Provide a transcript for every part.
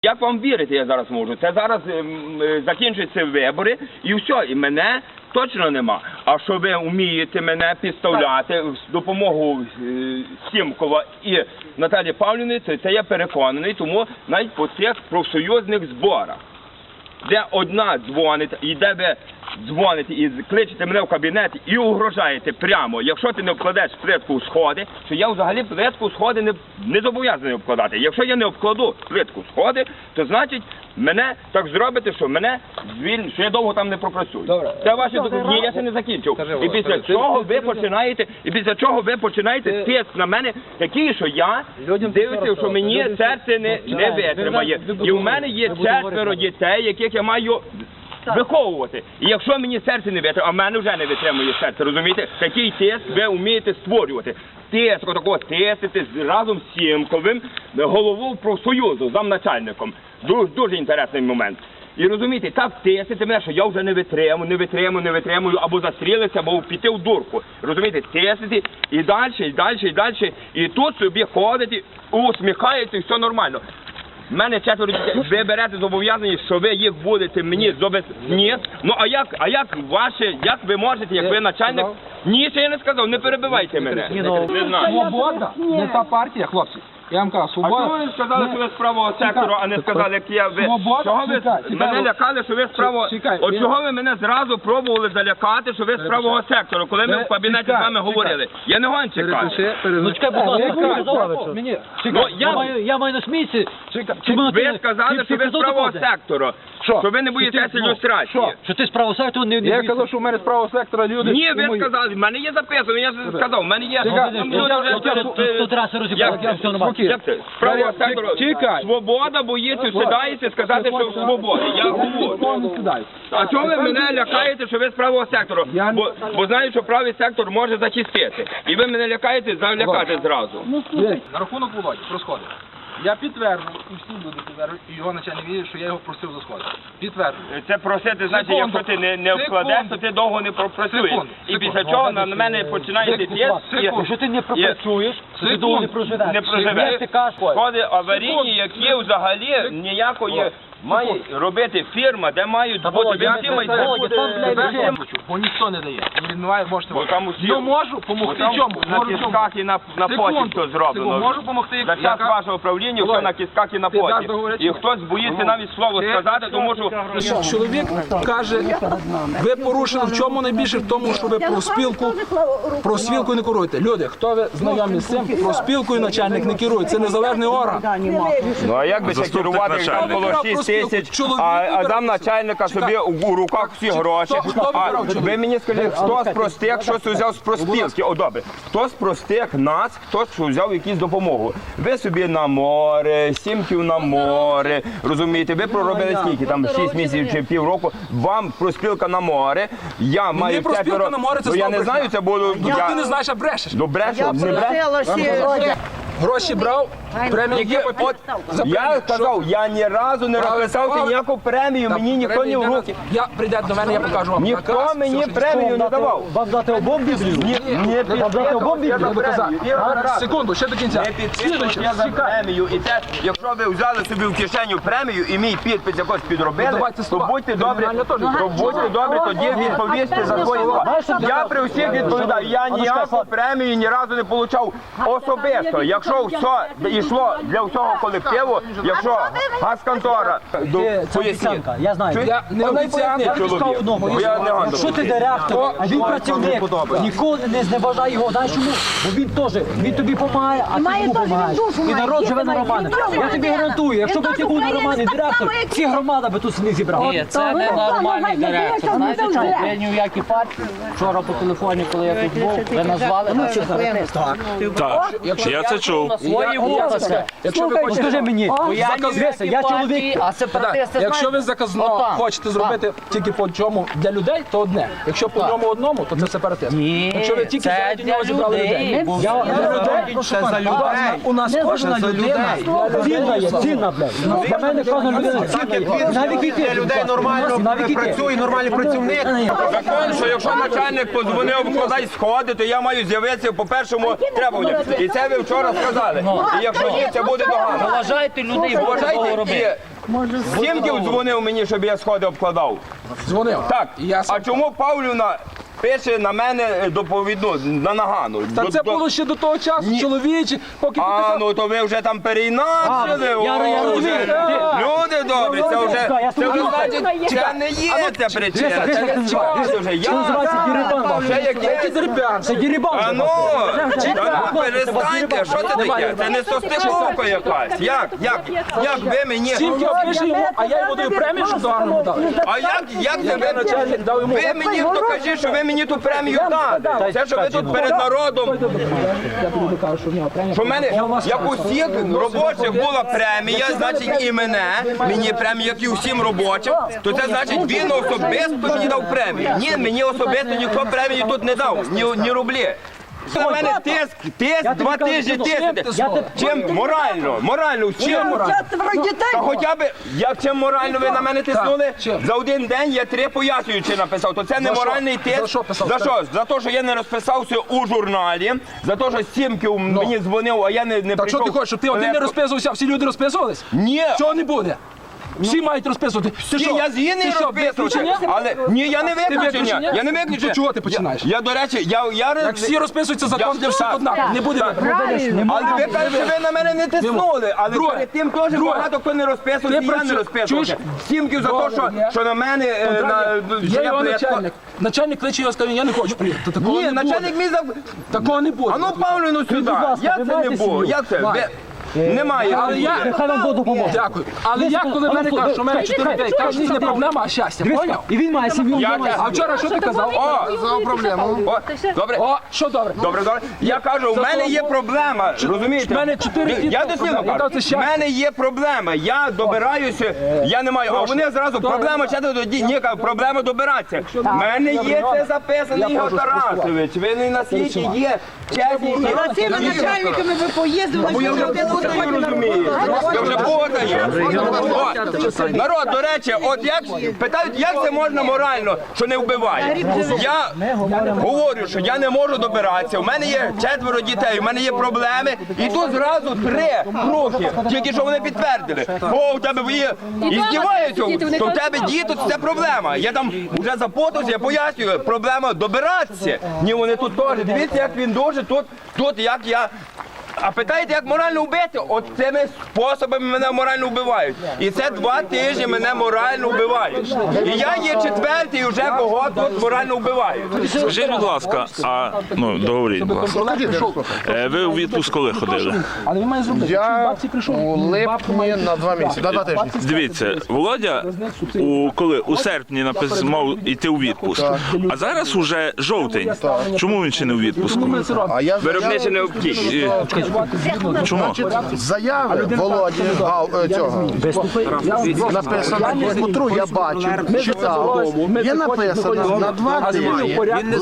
Як вам вірити, я зараз можу? Це зараз закінчуються вибори і все, і мене точно нема. А що ви вмієте мене підставляти з допомогою Сімкова і Наталі Павлівни, це я переконаний, тому навіть по цих профсоюзних зборах, де одна дзвонить, і де ви дзвоните і кличете мене в кабінет і угрожаєте прямо, якщо ти не обкладеш плитку у сходи, що я взагалі плитку у сходи не зобов'язаний обкладати. Якщо я не обкладу плитку у сходи, то значить мене так зробите, що мене звільнять, що я довго там не пропрацюю. Добре. Це ваші ні, я ще не закінчив. І після чого ви починаєте тиск на мене такий, що я дивлюся, що мені серце не витримає. І в мене є 4 дітей, яких я маю виховувати. І якщо мені серце не витримує, а в мене вже не витримує серце, розумієте? Такий тиск ви вмієте створювати. Тиск, отакого тисити разом з Сімковим, головою профсоюзу, замначальником. Дуже інтересний момент. І розумієте, так тисити мене, що я вже не витримую, або застрілитися, або піти в дурку. Розумієте, тисити і далі. І тут собі ходите, усміхаєте, і все нормально. У мене 4 дітей, ви берете зобов'язання, що ви їх будете мені ні. Ну а як ви можете, як ви начальник? Ні, ще я не сказав, не перебивайте мене. Не знаю. Свобода не та партія, хлопці. Я вам кажу, Свобода... А чого ви сказали, що ви з правого сектору, а не сказали, як я ви? Чого ви мене лякали, що ви з правого... От чого ви мене зразу пробували залякати, що ви з правого сектору, коли ми в кабінеті з вами говорили? Я не гонщик. Ну чекай, будь ласка, я маю на смійці. Ви сказали, що ви з правого сектору, що ви не боїтеся ілюстрації. Що ти з правого сектору не боїшся? Я казав, що в мене з правого сектора люди... Ні, ви сказали, в мене є записано, я сказав, в мене є... Тут раз розібрали, все нормально. Як це? З правого сектору. Свобода боїться, сідаєте сказати, що свобода. Я говорю. А чого ви мене лякаєте, що ви з правого сектору? Бо знаю, що правий сектор може захистити. І ви мене лякаєте, залякати зразу. На рахунок Володі, про сходи. Я підтверджую, і всі люди підтверджують, і його начальник вірить, що я його просив за сходи. Підтверджую. Це просити, значить, якщо ти не вкладеш, то ти довго не пропрацюєш. І після чого на мене починаєте тиск. Якщо ти не пропрацюєш, то ти довго не проживеш. Сходи аварійні, які взагалі ніякої має робити фірма, де мають бути всі бо ніхто не дає. Можете ну можу допомогти чому? На кістках і на поті все зроблено. Можу допомогти. За час вашого правління все на кістках і на поті. І хтось боїться навіть слово сказати, тому що... Чоловік каже, ви порушили в чому найбільше? В тому, що ви профспілку не керуєте. Люди, хто ви знайомі з цим? Профспілкою начальник не керує. Це незалежний орган. Ну а як би це керувати, там було 6 тисяч, а замначальника собі у руках всі гроші. Ви мені скажіть, хто з простих щось взяв з профспілки? О, добре. Хто з простих нас, хто взяв якусь допомогу? Ви собі на море, Сімків на море, розумієте? Ви проробили скільки? Там 6 місяців чи півроку. Вам профспілка на море. Я маю 5 років. Ну я не знаю, це було... Ти не знаєш, а брешеш. Ну брешу, не брешу. Гроші брав, премію є. Я сказав, я ні разу не розписався ніяку премію, мені ніхто не в руки. Прийдете до мене, я покажу вам. Ніхто мені премію не давав. Вам дати обом Біблію? Ні, Вам дати обом Біблію? Секунду, ще до кінця. Не підписуйте я за премію. І те, якщо ви взяли собі в кишеню премію і мій підпис якось підробили, то будьте добрі, тоді відповісти за свої слова. Я при всіх відповідаю, я ніяку премію ні разу не отримав особисто. Якщо все йшло для всього колективу, якщо газконтора, поясніть. Я знаю. Я не обіцянка. Якщо ти директор, а він працівник, ніколи не зневажай його. Знаєш чому? Бо він теж, він тобі допомагає, а ти йому допомагаєш. І народ живе на Романи. Я тобі гарантую, якщо б ти був на Романі директор, всі громада би тут не зібрали. Ні, це не нормальний директор. Знаєте чому? Я ні в якій партії. Вчора по телефоні, коли я тут був, ви назвали. Так, я це чув. Свої вулиці. Якщо ви хочете, Скажи мені, я чоловік. А сепаратисти якщо ви заказно хочете зробити тільки по чому для людей, то одне. Якщо по ньому одному, то це сепаратизм. Якщо ви тільки це для людей. Це за людей. У нас кожна людина цінна є, цінна, блядь. Для мене кожна людина цінна є. Навіть і Людей нормально працює, нормальний працівник. Закон, що якщо начальник подзвонив, вкладай сходи, то я маю з'явитися по першому требуванню. І це ви вчора сказали. І якщо ні, це буде догано. Поважайте людей, будете робити. Сімків дзвонив мені, щоб я сходи обкладав. Дзвонив. Так, І я сам. а чому Павлівна пише на мене доповідну, на нагану? Та це було ще до того часу, чоловічі, поки ти А, казав. ну то ви вже там переінакшили. я розумію. Люди добрі, це вже, Я це вже слухаю. значить, це не є ця причина. Дивися, Це як не це час називається? вже. Це називається дірибан ваш. Ще Який якесь. дербян? Це дірибан. А ну, та перестаньте, що це таке? Це не состиковка якась. Як ви мені... Сімки опише йому, а я йому даю премію, що до армії дали. А як це ви Начальник дав йому. Ви мені докажіть, що ви мені ту премію дали. Це, що ви тут перед народом, Я тобі докажу, що в нього премія. що в мене, як у всіх робочих була премія, значить і мені премія, як і усім робочим, то це значить він особисто мені дав премію. Ні, мені особисто ніхто премію тут не дав, ні рублі. На мене тиск, 2 тижні тиснете. Чим? Морально, чим? Та хоча б, чим морально ви на мене тиснули, чим? за один день я 3 пояснюючи написав, то це не За що? моральний тиск. За що писав? За що? За те, що я не розписався у журналі, за те, що Сімків мені дзвонив, а я не прийшов. Так що ти хочеш, щоб ти один не розписувався, а всі люди розписувались? Ні. Цього не буде. Всі мають розписувати. Ти Ні, що? я згідний Ти що, розписувати, виключення? але ні, я не виключення. виключення? Я не Ну, виключення. то чого ти починаєш? Я, до речі, Як всі розписуються, закон для всіх однаково. Не буде вибору. Але ви кажете, що ви на мене не тиснули, але Друге. перед тим теж Друге. багато хто не розписувався, Ти і я не працю- розписувався. Чуєш? Сімків за те, Добре, що на мене... Є його я- начальник. Начальник кличе його, скаже, я не хочу приїхати. Такого Ні, не буде. начальник мій за... Такого не буде. А ну Павлівну сюди. Як це не було? Як це? Немає. Але я... Хай вам Бог допоможе. Дякую. Але я, коли мене кажуть, що в мене 4-5, кажуть, що це не проблема, а щастя. Поняв? І він має сім'ю. Як? А вчора що ти казав? Добре. О, що добре? Добре. Я кажу, у мене є проблема, розумієте? В мене 4 діти. Я дослівно Я кажу, це в щастя. мене є проблема, я добираюся, я не маю, а вони зразу, проблема четверо, ні, кажу, проблема добиратися. В мене є це записано, Ігор Тарасович, ви не на світі є чесні. Цими начальниками ви поїздили, Бо я вже путаю, розумієте? Я вже путаю. От. Народ, до речі, от як питають, як це можна морально, що не вбиває? Я говорю, що я не можу добиратися, у мене є 4 дітей, у мене є проблеми, і тут зразу 3 роки, тільки що вони підтвердили. О, у тебе є, і здіваються, то в тебе діти, це проблема. Я там вже запутався, я пояснюю, проблема добиратися. Ні, вони тут теж, дивіться, як він дуже, тут як я... А питаєте, як морально вбити? От цими способами мене морально вбивають. І це 2 тижні мене морально вбивають. І я є 4-й вже кого тут морально вбивають. Скажіть, будь ласка, договоріть, будь ласка. Ви у відпуск коли ходили? Але він має зробити. Я Бабці прийшов. у липні на 2 місяці, на 2 тижні. Дивіться, Володя у серпні мав йти у відпуск, а зараз уже жовтень. Чому він ще не у відпуску? А я Виробничі необхідність. Чому? заяви Володі цього написано в Дмитру, я бачив, читав. Є написано на 2 тижні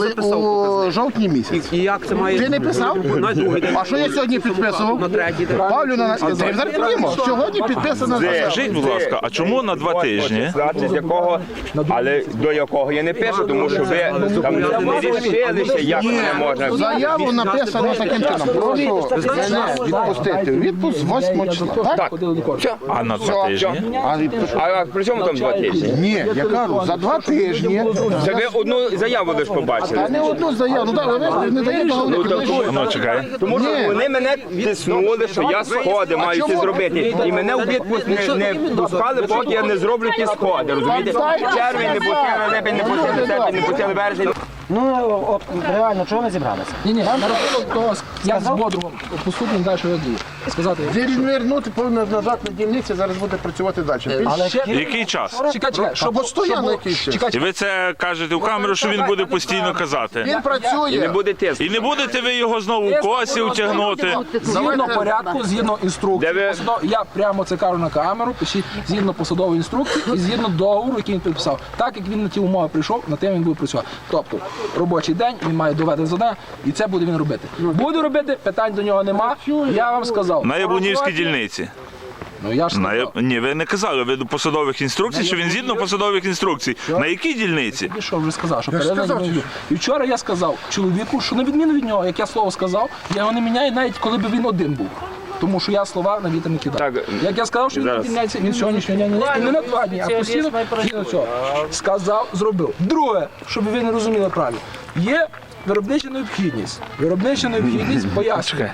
у жовтні місяці. І як це має... Ти не писав? А що я сьогодні підписував? Павлю, зараз піднімо. Сьогодні підписано заява. Скажіть, будь ласка, а чому на 2 тижні? Значить, якого, але до якого я не пишу, тому що ви там не рішилися, як мене можна. Заяву написано таким чином. Прошу мене відпустити. Відпуск з 8 числа. Так? А на 2 тижні? А при чому там 2 тижні? Ні, я кажу, за 2 тижні. Це ви одну заяву лише побачили. Та не одну заяву. Ну так, ви не даєте договорити. Ну, чекай. Тому що Ні. вони мене тиснули, що я сходи маю ці зробити. І мене у відпуск не пускали, поки я не зроблю ті сходи. Розумієте? Червень не пустили, липень не пустили, серпень не пустили, вересень. Ну, от реально, чого ми зібралися? Ні, на рахунок того, як з Бодрогом поступимо далі, що я дію. Сказати, Вернути повинно назад на дільниці, зараз буде працювати далі. Який час? чекай, щоб Постійно якийсь час. чекай, І ви це кажете в камеру, що він буде постійно казати. Він працює. Не буде тиск. І не будете ви його знову в косі утягнути. згідно порядку, згідно інструкції. Де ви- Я прямо це кажу на камеру, пишіть згідно посадової інструкції і згідно договору, який він підписав. Так як він на ті умови прийшов, на тим він буде працювати. Тобто робочий день, він має довести завдання, і це буде він робити. Буде робити, питань до нього нема. Я вам сказав. На Яблунівській дільниці. Ну я ж сказав. Ні, ви не казали, ви до посадових інструкцій, що він згідно посадових інструкцій. На якій дільниці? І що вже сказав, що передано. І вчора я сказав чоловіку, що на відміну від нього, як я слово сказав, я його не міняю навіть коли б він один був. Тому що я слова на вітер не кидаю. Так, Як я сказав, що він зараз. звільняється, він сьогоднішнього дня і не на 2 дні, а постійно згідно цього. Сказав, зробив. Друге, щоб ви не розуміли правильно, є виробнича необхідність. Виробнича необхідність пояснює.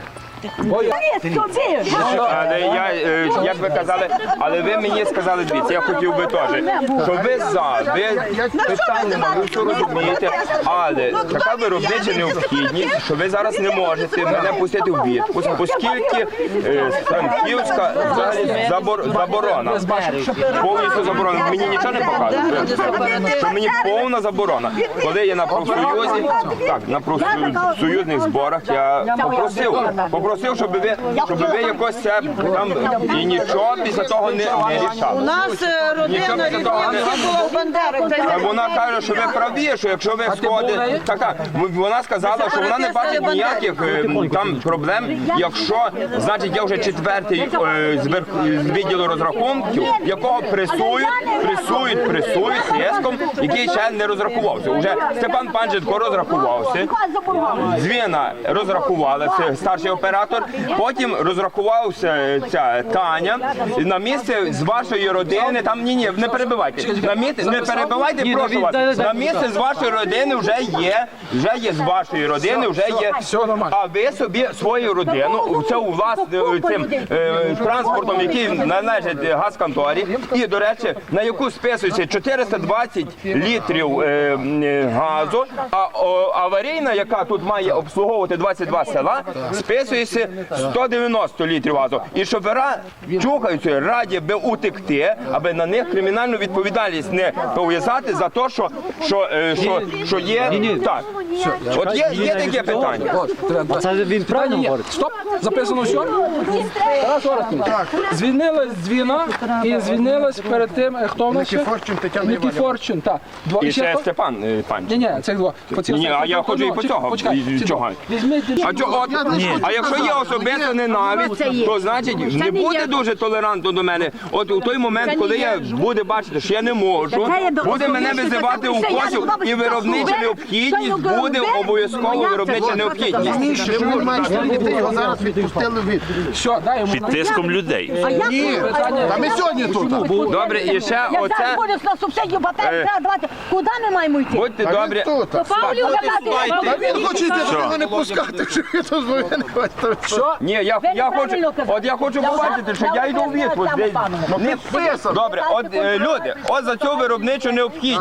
Але я, як ви казали, але ви мені сказали, дивіться, я хотів би теж, що ви за, ви питань немає, ви все розумієте, але така виробнича необхідність, що ви зараз не можете мене пустити в відпуск, оскільки Франківська взагалі заборона, повністю заборона, мені нічого не показує, що мені повна заборона. Коли я на профсоюзі, так, на профсоюзних зборах я попросив, щоб ви якось це там і нічого після того не рішали. У нас родина рідна була в Бандерах. Вона каже, що ви праві, що якщо ви сходите, така, вона сказала, що вона не бачить ніяких там проблем, якщо, значить, я вже 4-й з відділу розрахунків, якого пресують тиском, який ще не розрахувався. Уже Степан Панченко розрахувався, Звіна розрахувалася, старший оператор, потім розрахувався ця Таня, на місце з вашої родини, там, ні, не перебивайте, не перебивайте, прошу вас, на місце з вашої родини вже є з вашої родини, вже є, а ви собі свою родину, це у вас цим транспортом, який належить газконторі, і, до речі, на яку списується 420 літрів газу, а аварійна, яка тут має обслуговувати 22 села, списується 190 літрів газу. І шофера чухаються, раді би утекти, аби на них кримінальну відповідальність не пов'язати за те, що є. Так. От є таке питання. Це він правильно Ні, говорить? стоп, записано все. Тарас Орестович, звільнилась Дзвіна і звільнилась перед тим, хто в нас ще? Никифорчин Тетяна Нікі Іванівна. Форчин, так. І ще Степан Панченко. Ні, цих два. Ні, а я хочу і по цього. Чого? А якщо є особиста ненависть, то значить не буде дуже толерантно до мене. От у той момент, коли я буде бачити, що я не можу, буде мене визивати у косів, і виробнича необхідність буде обов'язково виробнича необхідність. Раніше, що він має 4 дітей, його зараз відпустили від. Все, дай йому. Під тиском людей. Ні, та ми сьогодні тут. Добре, і ще оце. на субсидію батареї треба давати. Куди ми маємо йти? Будьте добрі. Тут. Павлів Та він хоче йти, його не пускати, що він тут звонить. Що? Ні, я хочу побачити, що я йду у відпуск. Добре, от люди, от за цю виробничу необхідність.